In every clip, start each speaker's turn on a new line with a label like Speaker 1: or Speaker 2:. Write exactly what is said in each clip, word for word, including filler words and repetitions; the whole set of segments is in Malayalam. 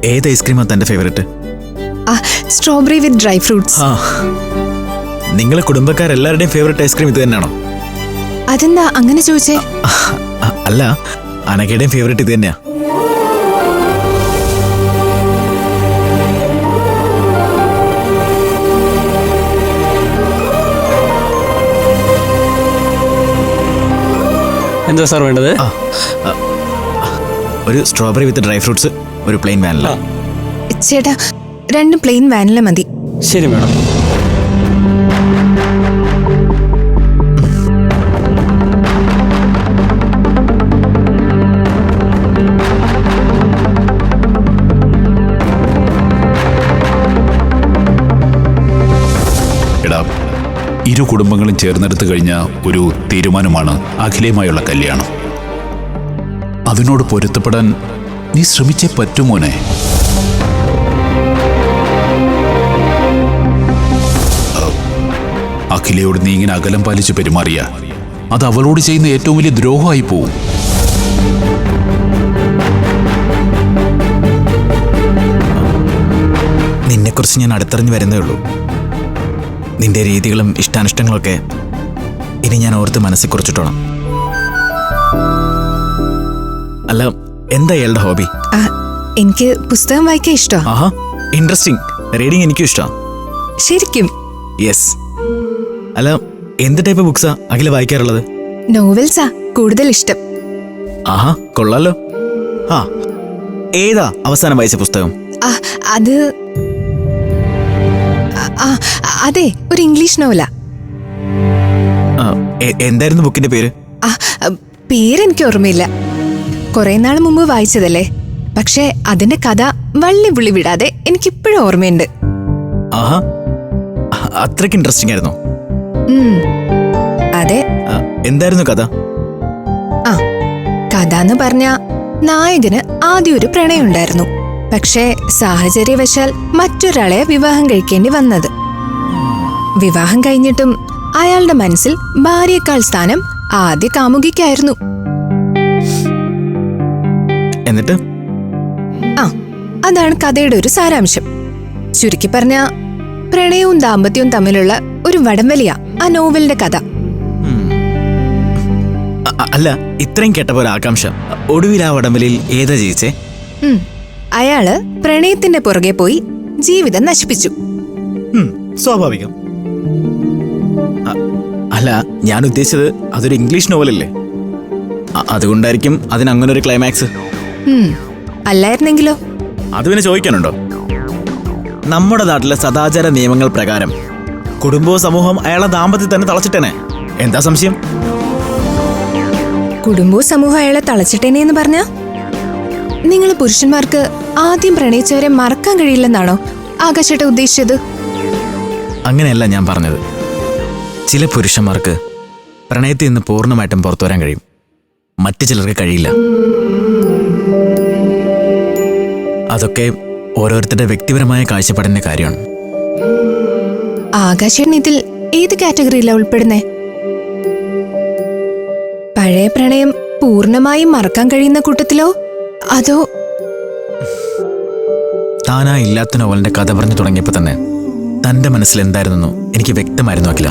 Speaker 1: ഏത് ഐസ്ക്രീമാണ് തന്റെ favourite?
Speaker 2: Strawberry with dry fruits.
Speaker 1: ആ, നിങ്ങളെ കുടുംബക്കാരെല്ലാവരുടെയും ഫേവറേറ്റ് ഐസ്ക്രീം ഇത് തന്നെയാണോ?
Speaker 2: അതെന്താ അങ്ങനെ ചോദിച്ചേ?
Speaker 1: അല്ല, അനഘയുടെയും ഫേവറേറ്റ് ഇത് തന്നെയാ.
Speaker 3: എന്താ സാർ വേണ്ടത്?
Speaker 1: ഒരു സ്ട്രോബെറി വിത്ത് ഡ്രൈ ഫ്രൂട്ട്സ്, ഒരു പ്ലെയിൻ വാനില.
Speaker 2: ചേട്ടാ, രണ്ട് പ്ലെയിൻ വാനില മതി.
Speaker 3: ശരി മാഡം.
Speaker 4: എടാ, ഇരു കുടുംബങ്ങളും ചേർന്നെടുത്തു കഴിഞ്ഞ ഒരു തീരുമാനമാണ് അഖിലയുമായുള്ള കല്യാണം. അതിനോട് പൊരുത്തപ്പെടാൻ നീ ശ്രമിച്ചേ പറ്റുമോനെ. അഖിലയോട് നീ ഇങ്ങനെ അകലം പാലിച്ച് പെരുമാറിയ അത് അവളോട് ചെയ്യുന്ന ഏറ്റവും വലിയ ദ്രോഹമായി പോവും.
Speaker 1: നിന്നെക്കുറിച്ച് ഞാൻ അടുത്തറിഞ്ഞു വരുന്നേ ഉള്ളൂ. നിന്റെ രീതികളും ഇഷ്ടാനിഷ്ടങ്ങളൊക്കെ ഇനി ഞാൻ ഓർത്ത് മനസ്സിൽ കുറിച്ചിട്ടോളാം. അല്ല, എന്താ ഇയാളുടെ ഹോബി?
Speaker 2: എനിക്ക് പുസ്തകം വായിക്കാൻ ഇഷ്ടമാണ്.
Speaker 1: ആഹാ, ഇൻട്രസ്റ്റിംഗ്. റീഡിങ് എനിക്കും ഇഷ്ടമാണ്.
Speaker 2: ശരിക്കും?
Speaker 1: യെസ്. അല്ല, എന്ത് ടൈപ്പ് ബുക്സാ അഖില വായിക്കാറുള്ളത്?
Speaker 2: നോവൽസാ കൂടുതൽ ഇഷ്ടം.
Speaker 1: ആഹാ, കൊള്ളാലോ. ആ, ഏതാ അവസാനം വായിച്ച പുസ്തകം?
Speaker 2: അത് അതെ, ഒരു ഇംഗ്ലീഷ് നോവലാ.
Speaker 1: എന്തായിരുന്നു ബുക്കിന്റെ പേര്?
Speaker 2: പേരെനിക്ക് ഓർമ്മയില്ല. കുറെ നാൾ മുമ്പ് വായിച്ചതല്ലേ. പക്ഷെ അതിന്റെ കഥ വള്ളി പുള്ളി വിടാതെ എനിക്കിപ്പോഴും ഓർമ്മയുണ്ട്.
Speaker 1: ആഹാ, അത്രയ്ക്ക് ഇൻട്രസ്റ്റിംഗ് ആയിരുന്നു.
Speaker 2: അതെ.
Speaker 1: എന്തായിരുന്നു കഥ?
Speaker 2: ആ, കഥ എന്ന് പറഞ്ഞ നായകന് ആദ്യം ഒരു പ്രണയം ഉണ്ടായിരുന്നു. പക്ഷേ സാഹചര്യവശാൽ മറ്റൊരാളെ വിവാഹം കഴിക്കേണ്ടി വന്നത്. വിവാഹം കഴിഞ്ഞിട്ടും അയാളുടെ മനസ്സിൽ ഭാര്യയേക്കാൾ സ്ഥാനം ആദ്യ കാമുകിക്കായിരുന്നു.
Speaker 1: എന്നിട്ട്
Speaker 2: ആ, അതാണ് കഥയുടെ ഒരു സാരാംശം. ചുരുക്കി പറഞ്ഞ പ്രണയവും ദാമ്പത്യവും തമ്മിലുള്ള ഒരു വടംവലിയാ ആ നോവലിന്റെ കഥ.
Speaker 1: അല്ല, ഇത്രയും കേട്ടപ്പോ ഒരു ആകാംക്ഷ. ഒടുവിൽ ആ വടംവലിയിൽ ഏതാ ജയിച്ചേ?
Speaker 2: അയാള് പ്രണയത്തിന്റെ പുറകെ പോയി ജീവിതം നശിപ്പിച്ചു.
Speaker 1: സ്വാഭാവികം. അല്ല, ഞാൻ ഉദ്ദേശിച്ചത് അതൊരു ഇംഗ്ലീഷ് നോവലല്ലേ, അതുകൊണ്ടായിരിക്കും അതിന് അങ്ങനെ ഒരു ക്ലൈമാക്സ്.
Speaker 2: അല്ലായിരുന്നെങ്കിലോ?
Speaker 1: അത് പിന്നെ ചോദിക്കാനുണ്ടോ? നമ്മുടെ നാട്ടിലെ സദാചാര നിയമങ്ങൾ പ്രകാരം കുടുംബവും സമൂഹം അയാളെ ദാമ്പത്യത്തിൽ തന്നെ തളച്ചിട്ടേനെ. എന്താ സംശയം?
Speaker 2: കുടുംബവും സമൂഹം അയാളെ തളച്ചിട്ടേനെ എന്ന് പറഞ്ഞ നിങ്ങൾ പുരുഷന്മാർക്ക് ആദ്യം പ്രണയിച്ചവരെ മറക്കാൻ കഴിയില്ലെന്നാണോ ആകാശേട്ട ഉദ്ദേശിച്ചത്?
Speaker 1: അങ്ങനെയല്ല ഞാൻ പറഞ്ഞത്. ചില പുരുഷന്മാർക്ക് പ്രണയത്തിൽ നിന്ന് പൂർണ്ണമായിട്ടും പുറത്തു വരാൻ കഴിയും, മറ്റു ചിലർക്ക് കഴിയില്ല. അതൊക്കെ ഓരോരുത്തരുടെ വ്യക്തിപരമായ കാഴ്ചപ്പാടിന്റെ കാര്യമാണ്.
Speaker 2: ആകാശേട്ടൻ ഇതിൽ ഏത് കാറ്റഗറിയിലാണ് ഉൾപ്പെടുന്നേ? പഴയ പ്രണയം പൂർണ്ണമായും മറക്കാൻ കഴിയുന്ന കൂട്ടത്തിലോ അതോ?
Speaker 1: താനാ ഇല്ലാത്ത നോവലിന്റെ കഥ പറഞ്ഞു തുടങ്ങിയപ്പോ തന്നെ തന്റെ മനസ്സിൽ എന്തായിരുന്നു എനിക്ക് വ്യക്തമായിരുന്നു അഖില.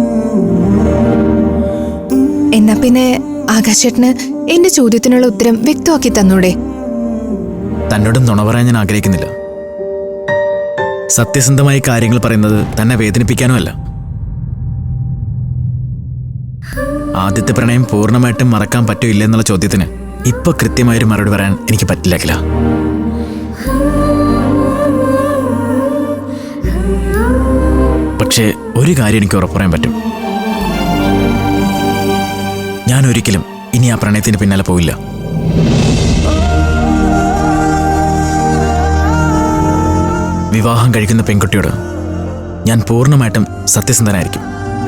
Speaker 2: എന്നാ പിന്നെ ആകാശേട്ടന് എന്റെ ചോദ്യത്തിനുള്ള ഉത്തരം വ്യക്തമാക്കി തന്നൂടെ?
Speaker 1: തന്നോടും നുണ പറയാൻ ഞാൻ ആഗ്രഹിക്കുന്നില്ല. സത്യസന്ധമായി കാര്യങ്ങൾ പറയുന്നത് തന്നെ വേദനിപ്പിക്കാനുമല്ല. ആദ്യത്തെ പ്രണയം പൂർണ്ണമായിട്ടും മറക്കാൻ പറ്റോ ഇല്ല എന്നുള്ള ചോദ്യത്തിന് ഇപ്പൊ കൃത്യമായൊരു മറുപടി പറയാൻ എനിക്ക് പറ്റില്ല അഖില. പക്ഷേ ഒരു കാര്യം എനിക്ക് ഉറപ്പ് പറയാൻ പറ്റും. ഞാൻ ഒരിക്കലും ഇനി ആ പ്രണയത്തിന് പിന്നാലെ പോയില്ല. വിവാഹം കഴിക്കുന്ന പെൺകുട്ടിയോട് ഞാൻ പൂർണ്ണമായിട്ടും സത്യസന്ധനായിരിക്കും.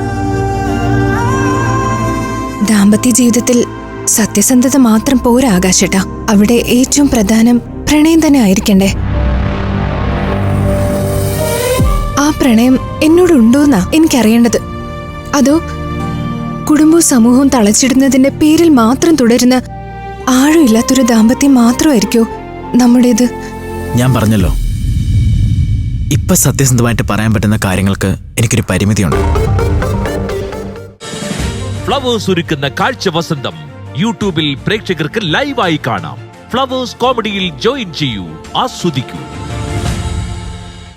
Speaker 2: ദാമ്പത്യ ജീവിതത്തിൽ സത്യസന്ധത മാത്രം പോരാ ആകാശേട്ടാ. അവിടെ ഏറ്റവും പ്രധാനം പ്രണയം തന്നെ ആയിരിക്കണ്ടേ? ആ പ്രണയം എന്നോടുണ്ടോന്നാ എനിക്കറിയേണ്ടത്. അതോ കുടുംബവും സമൂഹവും തളച്ചിടുന്നതിന്റെ പേരിൽ മാത്രം തുടരുന്ന ആഴമില്ലാത്തൊരു ദാമ്പത്യം മാത്രമായിരിക്കോ നമ്മുടേത്?
Speaker 1: ഞാൻ പറഞ്ഞല്ലോ, ഇപ്പൊ സത്യസന്ധമായിട്ട് പറയാൻ പറ്റുന്ന കാര്യങ്ങൾക്ക് എനിക്കൊരു പരിമിതിയുണ്ട്.
Speaker 3: ഫ്ലവേഴ്സ് ഒരുക്കുന്ന കാഴ്ച വസന്തം യൂട്യൂബിൽ പ്രേക്ഷകർക്ക് ലൈവായി കാണാം. ഫ്ലവേഴ്സ് കോമഡിയിൽ ജോയിൻ ചെയ്യൂ, ആസ്വദിക്കൂ.